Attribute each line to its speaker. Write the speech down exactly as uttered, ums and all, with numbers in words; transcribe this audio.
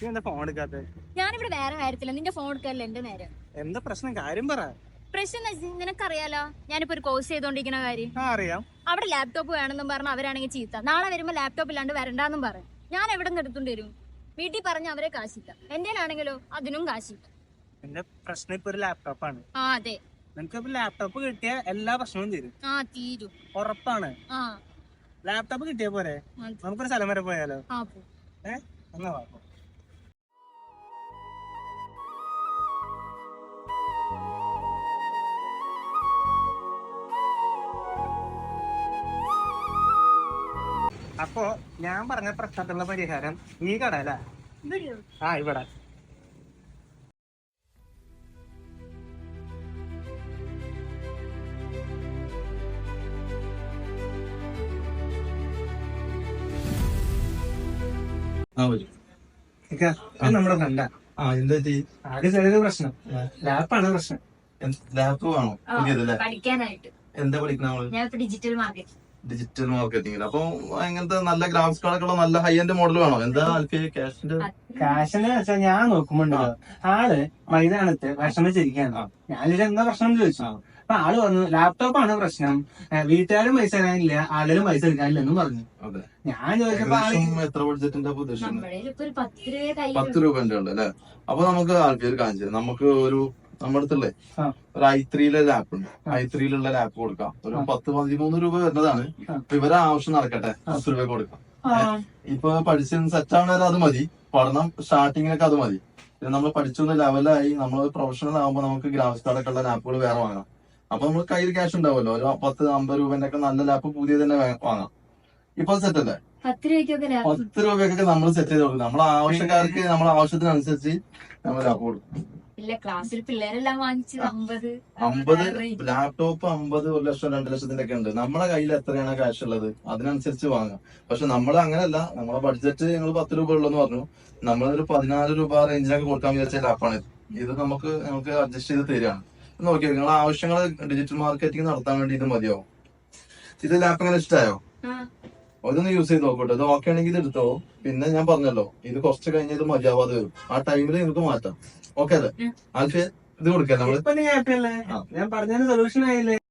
Speaker 1: Phone എടുക്കാത്ത?
Speaker 2: ഞാനിവിടെ വേറെ കാര്യത്തില്ല, നിന്റെ ഫോൺ എടുക്കാറില്ല എന്റെ നേരം.
Speaker 1: എന്താ പ്രശ്നം? കാര്യം പറ.
Speaker 2: പ്രശ്നം നിനക്കറിയാലോ, ഞാനിപ്പോ ഒരു കോഴ്സ് ചെയ്തോണ്ടിരിക്കുന്ന കാര്യം.
Speaker 1: അറിയാം.
Speaker 2: അവിടെ ലാപ്ടോപ്പ് വേണമെന്നും പറഞ്ഞ അവരാണെങ്കിൽ ചീത്ത. നാളെ വരുമ്പോ ലാപ്ടോപ്പ് ഇല്ലാണ്ട് വരണ്ടെന്നും പറയും. ഞാൻ എവിടെ നിന്ന് എടുത്തോണ്ട് വരും? വീട്ടിൽ പറഞ്ഞ അവരെ കാശില്ല. എന്റെ ആണെങ്കിലോ അതിനും കാശില്ല.
Speaker 1: എന്റെ പ്രശ്നം ഇപ്പൊ ഒരു ലാപ്ടോപ്പാണ്.
Speaker 2: ആ അതെ,
Speaker 1: നിനക്ക് ലാപ്ടോപ്പ് കിട്ടിയ എല്ലാ പ്രശ്നവും തീരും.
Speaker 2: ആ തീരും,
Speaker 1: ഉറപ്പാണ്.
Speaker 2: ആ
Speaker 1: ലാപ്ടോപ്പ് കിട്ടിയ പോരെ, നമുക്കൊരു സ്ഥലം വരെ പോയാലോ? ഏ എന്നാ വാ. അപ്പോ ഞാൻ പറഞ്ഞ പ്രശ്നത്തിനുള്ള പരിഹാരം ഈ കട അല്ല. ആ ഇവിടെ. നമ്മുടെ ഫ്രണ്ടാ.
Speaker 3: ആ എന്താ
Speaker 1: ആദ്യം ചെറിയൊരു പ്രശ്നം, ലാപ്പാണ് പ്രശ്നം.
Speaker 3: ലാപ്പ് വേണോ പുതിയതല്ലേ?
Speaker 2: പഠിക്കാനായിട്ട്.
Speaker 3: എന്താ പഠിക്കണ നമ്മള്?
Speaker 2: ഞാൻ ഡിജിറ്റൽ മാർക്കറ്റിംഗ്.
Speaker 3: Digital marketing. അപ്പൊ അങ്ങനത്തെ നല്ല ഗ്രാഫിക്സ് കാർഡൊക്കെ ഉള്ള നല്ല ഹൈ എൻഡ് മോഡൽ വേണോ? എന്താ ക്യാഷിന്റെ?
Speaker 1: കാശിന് വെച്ചാൽ ഞാൻ നോക്കുമ്പോണ്ടല്ലോ, ആള് മൈതാനത്ത് വിഷമിച്ചിരിക്കാണ്. ഞാനിത് എന്താ പ്രശ്നം ചോദിച്ചു. അപ്പൊ ആള് പറഞ്ഞു ലാപ്ടോപ്പാണ് പ്രശ്നം, വീട്ടുകാരും പൈസ തരാനില്ല, ആളുകളും പൈസ എടുക്കാനില്ലെന്നും പറഞ്ഞു. ഞാൻ ചോദിച്ചപ്പോ
Speaker 3: എത്ര ബഡ്ജറ്റിന്റെ ഉദ്ദേശിക്കുന്നത്?
Speaker 2: പത്ത്
Speaker 3: പത്ത് രൂപന്റെ ഉണ്ട് അല്ലെ? അപ്പൊ നമുക്ക് ആൾക്കാർ കാണിച്ചു തരാം. നമുക്ക് ഒരു നമ്മുടെ അടുത്തല്ലേ ഒരു ഐ ത്രീയിലെ ലാപ്പ് ഉണ്ട്. ഐ ത്രീയിലുള്ള ലാപ്പ് കൊടുക്കാം. ഒരു പത്ത് പതിമൂന്ന് രൂപ വരുന്നതാണ്. അപ്പൊ ഇവരെ ആവശ്യം നടക്കട്ടെ, പത്ത് രൂപ കൊടുക്കാം. ഇപ്പൊ പഠിച്ച് സെറ്റ് ആവണേരം അത് മതി. പഠനം സ്റ്റാർട്ടിങ്ങിനൊക്കെ അത് മതി. പിന്നെ നമ്മൾ പഠിച്ചൊന്ന് ലെവലായി നമ്മൾ പ്രൊഫഷണൽ ആകുമ്പോൾ നമുക്ക് ഗ്രാഫിക്സ് കാർഡൊക്കെ ഉള്ള ലാപ്പുകൾ വേറെ വാങ്ങാം. അപ്പൊ നമ്മൾ കയ്യിൽ ക്യാഷ് ഉണ്ടാവുമല്ലോ, ഒരു പത്ത് അമ്പത് രൂപന്റെ ഒക്കെ നല്ല ലാപ്പ് പുതിയ തന്നെ വാങ്ങാം. ഇപ്പൊ സെറ്റ് അല്ലേ?
Speaker 2: പത്ത് രൂപയ്ക്കൊക്കെ
Speaker 3: പത്ത് രൂപയ്ക്കൊക്കെ നമ്മൾ സെറ്റ് ചെയ്ത് കൊടുക്കും. നമ്മളെ ആവശ്യക്കാർക്ക് നമ്മളെ ആവശ്യത്തിനനുസരിച്ച് നമ്മൾ ലാപ്പ് കൊടുക്കും.
Speaker 2: ക്ലാസ്സിൽ പിള്ളേരെല്ലാം വാങ്ങിച്ചത് അമ്പത്
Speaker 3: അമ്പത് ലാപ്ടോപ്പ് അമ്പത് ഒരു ലക്ഷം രണ്ട് ലക്ഷത്തിന്റെ ഒക്കെ ഉണ്ട്. നമ്മളെ കയ്യിൽ എത്രയാണ് ക്യാഷ് ഉള്ളത് അതിനനുസരിച്ച് വാങ്ങാം. പക്ഷെ നമ്മൾ അങ്ങനെയല്ല, നമ്മളെ ബഡ്ജറ്റ് ഞങ്ങൾ പത്ത് രൂപ ഉള്ളെന്ന് പറഞ്ഞു. നമ്മളൊരു പതിനാല് രൂപ റേഞ്ചിലൊക്കെ കൊടുക്കാൻ വിചാരിച്ച ലാപ്പാണ് ഇത്. ഇത് നമുക്ക് നമുക്ക് അഡ്ജസ്റ്റ് ചെയ്ത് തരികയാണ്. നോക്കിയോ, നിങ്ങളെ ആവശ്യങ്ങൾ ഡിജിറ്റൽ മാർക്കറ്റിംഗ് നടത്താൻ വേണ്ടി ഇത് മതിയാവും. ഇത് ലാപ്പ് എങ്ങനെ ഇഷ്ടമായോ? അതൊന്ന് യൂസ് ചെയ്ത് നോക്കട്ടെ. ഇത് ഓക്കെ ആണെങ്കിൽ ഇത് എടുത്തോ. പിന്നെ ഞാൻ പറഞ്ഞല്ലോ, ഇത് കുറച്ച് കഴിഞ്ഞ് ഇത് മതിയാവാതെ വരും. ആ ടൈമിൽ നിങ്ങൾക്ക് മാറ്റാം. ഓക്കെ അല്ലേ? ആൽഫിയ ഇത് കൊടുക്കാം നമ്മള്.
Speaker 1: ഞാൻ പറഞ്ഞ സൊല്യൂഷൻ ആയില്ലേ?